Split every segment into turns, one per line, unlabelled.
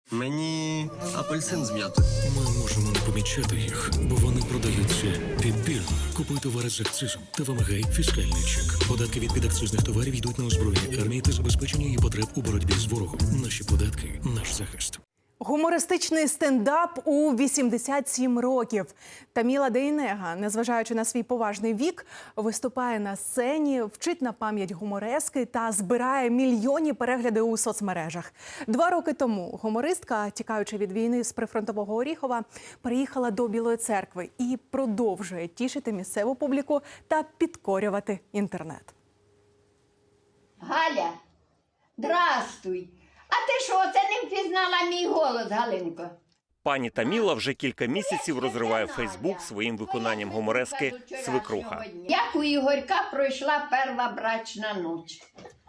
Мені апельсин з м'ятою.
Ми можемо не помічати їх, бо вони продаються підбірно. Купуй товари з акцизом та вимагай фіскальний чек. Податки від підакцизних товарів йдуть на озброєння армії та забезпечення її потреб у боротьбі з ворогом. Наші податки – наш захист.
Гумористичний стендап у 87 років. Таміла Дейнега, незважаючи на свій поважний вік, виступає на сцені, вчить на пам'ять гуморески та збирає мільйонні перегляди у соцмережах. 2 роки тому гумористка, тікаючи від війни з прифронтового Оріхова, приїхала до Білої Церкви і продовжує тішити місцеву публіку та підкорювати інтернет.
Галя, здрастуй. А ти що, це не впізнала мій голос, Галинко?
Пані Таміла вже кілька місяців розриває Фейсбук своїм виконанням гуморески «Свекруха».
Як у Ігорька пройшла перша брачна ніч.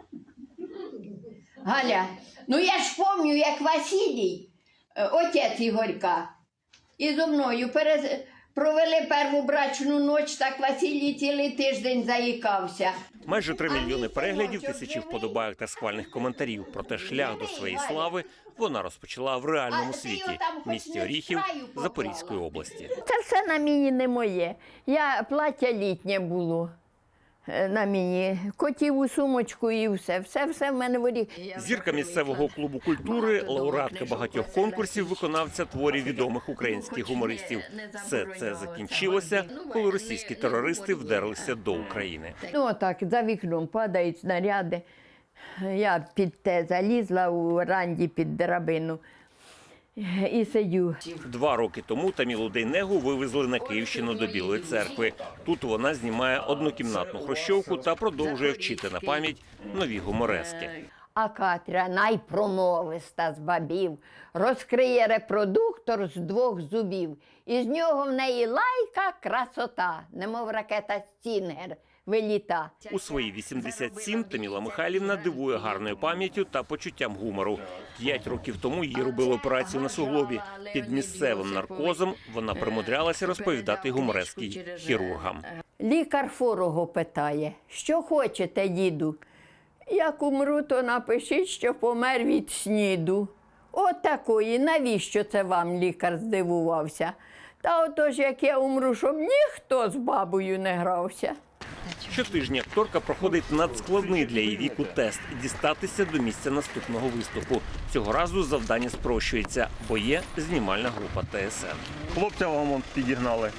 Галя, ну я ж пам'ятаю, як Василій, отець Ігорька, і зо мною провели першу брачну ніч, так Василій цілий тиждень заїкався.
Майже 3 мільйони переглядів, тисячі вподобайок та схвальних коментарів. Проте шлях до своєї слави вона розпочала в реальному світі – в місті Оріхів Запорізької області.
Це все на мені не моє. Плаття літнє було на мені, котіву сумочку і все. Все в мене в Оріхові.
Зірка місцевого клубу культури, лауреатка багатьох конкурсів, виконавця творів відомих українських гумористів. Все це закінчилося, коли російські терористи вдерлися до України.
Ну, отак, за вікном падають снаряди. Я під те залізла у ранді під драбину і сидю.
2 роки тому Тамілу Дейнегу вивезли на Київщину до Білої Церкви. Тут вона знімає однокімнатну хрущовку та продовжує вчити на пам'ять нові гуморески.
А Катря, найпромовиста з бабів, розкриє репродуктор з 2 зубів. І з нього в неї лайка красота, немов ракета Стінгер виліта.
У свої 87 Таміла Михайлівна дивує гарною пам'яттю та почуттям гумору. 5 років тому їй робили операцію на суглобі. Під місцевим наркозом вона примудрялася розповідати гуморески хірургам.
Лікар хворого питає, що хочете, діду? Як умру, то напишіть, що помер від сніду. От такої, навіщо це вам, лікар здивувався? Та отож, як я умру, щоб ніхто з бабою не грався.
Щотижня акторка проходить надскладний для її віку тест – дістатися до місця наступного виступу. Цього разу завдання спрощується, бо є знімальна група ТСН. Хлопця вам підігнали.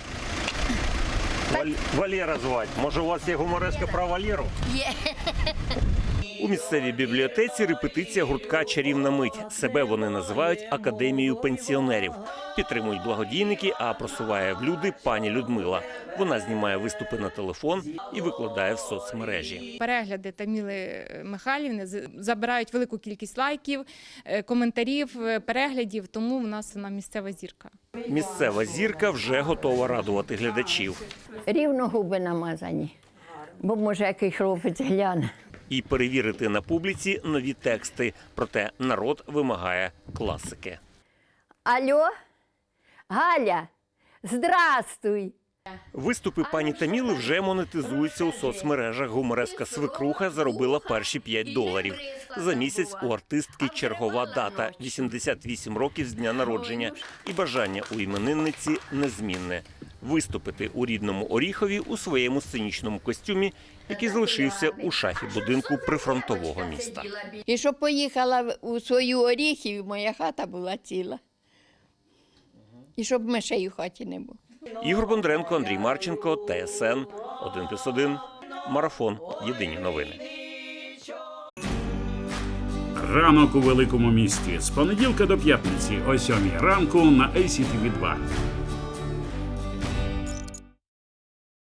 Валера звати. Може, у вас є гумореска про Валеру?
Є.
У місцевій бібліотеці репетиція гуртка «Чарівна мить». Себе вони називають «Академією пенсіонерів». Підтримують благодійники, а просуває в люди пані Людмила. Вона знімає виступи на телефон і викладає в соцмережі.
Перегляди Таміли Михайлівни забирають велику кількість лайків, коментарів, переглядів, тому в нас вона місцева зірка.
Місцева зірка вже готова радувати глядачів.
Рівно губи намазані, бо може який хлопець гляне.
І перевірити на публіці нові тексти. Проте народ вимагає класики.
Алло? Галя, здрастуй!
Виступи пані Таміли вже монетизуються у соцмережах. Гумореска «Свекруха» заробила перші $5. За місяць у артистки чергова дата – 88 років з дня народження. І бажання у іменинниці незмінне – виступити у рідному Оріхові у своєму сценічному костюмі, який залишився у шафі будинку прифронтового міста.
І щоб поїхала у свою Оріхів, моя хата була ціла. І щоб мишей у хаті не було.
Ігор Бондренко, Андрій Марченко, ТСН 1+1, Марафон. Єдині новини.
Ранок у великому місті. З понеділка до п'ятниці о 7 ранку на ICTV 2.